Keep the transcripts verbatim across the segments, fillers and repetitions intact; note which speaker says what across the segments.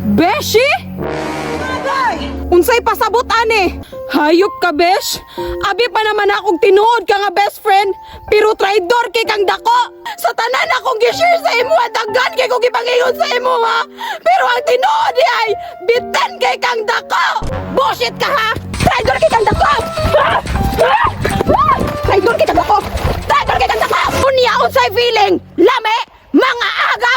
Speaker 1: Beshi? Unsay pasabot ani? Hayop ka, besh. Abi pa naman akong tinuod ka nga best friend, pero traidor kay kang dako. Sa tanan akong gi-share sa imo at daghan kay kong gipangingon sa imo ha. Pero ang tinuod di ay bitin kay kang dako. Bullshit ka ha. Traidor kay kang dako. Ah! Ah! Ah! Traidor kay kang dako. Traidor kay kang dako. Unya unsay feeling? Lame, mga agaw.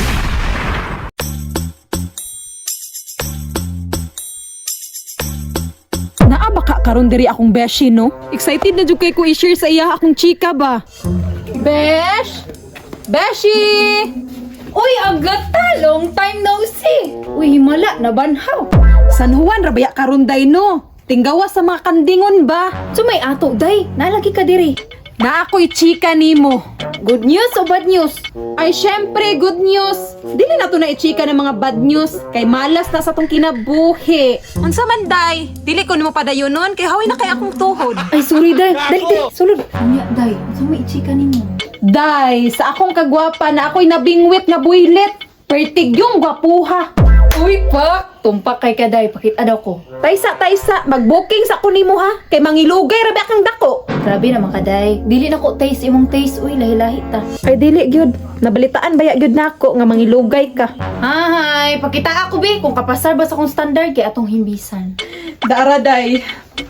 Speaker 1: Naa baka karon diri akong beshi no? Excited na jud kay ko i-share sa iya akong chika ba. Besh! Beshi!
Speaker 2: Uy, agata! Long time no see! Uy, himala, nabanhaw!
Speaker 1: San Juan rabaya karon day no? Tinggawa sa mga kandingon ba?
Speaker 2: So may ato, day! Nalagi ka diri!
Speaker 1: Na ako'y chika nimo.
Speaker 2: Good news o bad news?
Speaker 1: Ay syempre good news. Dili na to na i-chika ng mga bad news kay malas na sa tong kinabuhi. Unsa man day? Dili ko nimo padayonon kay hawi na kay akong tuhod.
Speaker 2: Ay, sorry, day! Dali, dali! Sulod! Unya, day! Saan may ichika ninyo?
Speaker 1: Day, sa akong kagwapa na ako'y nabingwit nga builit. Pertig yung gwapuha.
Speaker 2: Uy, pak! Tumpak kay ka, day. Pakita daw ko.
Speaker 1: Taysa, taysa, mag-booking sa kunimo ha. Kay mangilugay rabi akang dako.
Speaker 2: Grabe naman ka, day. Dili na ko taste imong taste. Uy, lahi-lahi ta.
Speaker 1: Ay dili gyud. Nabalitaan baya gyud nako nga mangilugay ka.
Speaker 2: Hay, pakita ako, be. Kung kapasar ba sa kong standard kay atong himbisan.
Speaker 1: Dara day.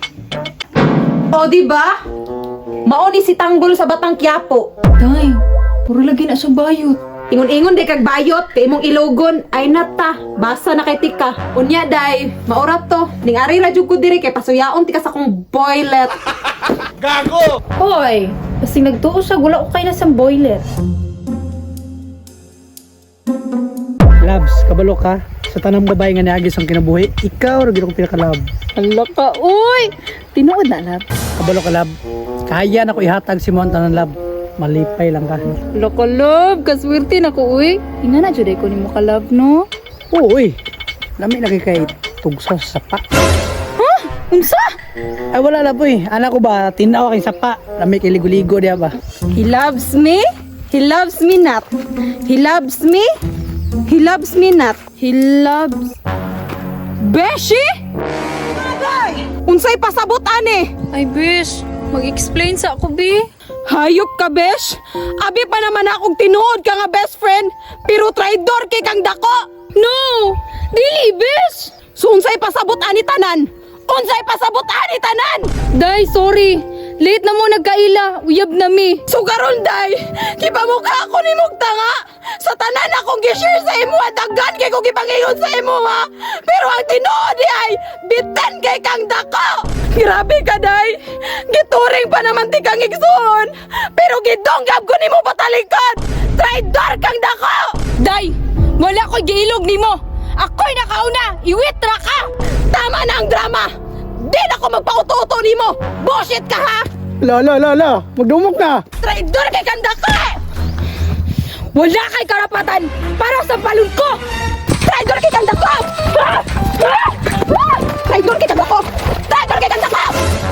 Speaker 1: O di ba? Mao ni si Tanggol sa Batang Quiapo.
Speaker 2: Day, puro lagi na sa bayot.
Speaker 1: Ingon-ingon di kag bayot kay imong ilogon ay nata basa na kay tika. Unya day, maurat to. Ning ari ra jud ko diri kay pasuyaon tika sa akong boilet.
Speaker 3: Gago!
Speaker 2: Hoy, kasi nagtuo siya, gula ko kayo na sa boiler.
Speaker 4: Labs, kabalo ka. Sa tanang babae nga niagis ang kinabuhi, ikaw rin akong pinaka-lab.
Speaker 2: Hala ka, uy! Tinuod na, lab.
Speaker 4: Kabalo ka, lab. Kaya na ko ihatag si mo ang tanang lab. Malipay lang ka.
Speaker 2: Hala ka, lab. Kaswerte na ko, uy. Ina na, juday ko ni mo ka, lab, no?
Speaker 4: Oo, uy. Lami na kay kay tugsa sa sapa.
Speaker 2: Ha? Unsa?
Speaker 4: Ay, wala lab, uy. Anak ko ba, tinaw kay sapa. Lami kay ligo-ligo diya ba?
Speaker 1: He loves me. He loves me not. He loves me. He loves me not. He loves... Beshi? Unsay pasabot ani?
Speaker 2: Ay, bish. Mag-explain sa ako, bi.
Speaker 1: Hayop ka, besh. Abi pa naman akong tinuod ka nga best friend, pero traidor kay kang dako.
Speaker 2: No! Dili, bish!
Speaker 1: So unsay pasabot ani tanan? Unsay pasabot ani tanan?
Speaker 2: Day, sorry. Late na mo nagkaila. Uyab na mi.
Speaker 1: So karon day, kipamukha ako ni tanga. Sa tanan akong gi-share sa imo at daghan kay kong gipangingon sa imo ha. Pero ang tinuod di ay bitin kay kang dako. Grabe ka day. Gituring pa naman ti kang igsoon. Pero gidonggab ko nimo patalikod. Traidor kang dako.
Speaker 2: Day, wala ko giilog nimo. Ako'y nakauna. Iwit ra ka.
Speaker 1: Tama na ang drama. Di na ako magpauto-uto nimo. Bullshit ka ha.
Speaker 4: La, la, la, la. Magdumok na.
Speaker 1: Traidor kay kang dako. Wala kay karapatan para sa palun ko! Traidor kay kang dako! Ah! Ah! Ah! Traidor kay kang dako! Traidor kay kang dako!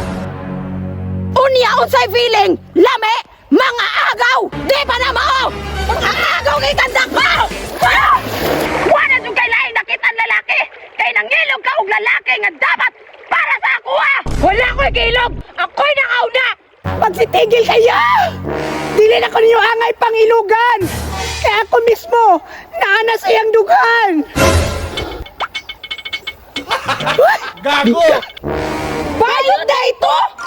Speaker 1: Unya unsay feeling? Lame, mga agaw! Di pa na mao! Mga agaw kay kang dako! Ah! Wala jud kay lain nakitaan lalaki! Kay nangilog ka og lalaki nga dapat para sa ako ah! Wala ko'y kilog! Ako'y nakauna! Magsitigil kayo! Dili na ko ninyo angay pangilugan! Kaya ako mismo, naana sa iyang dugan!
Speaker 3: Gago!
Speaker 1: Bayot na ito!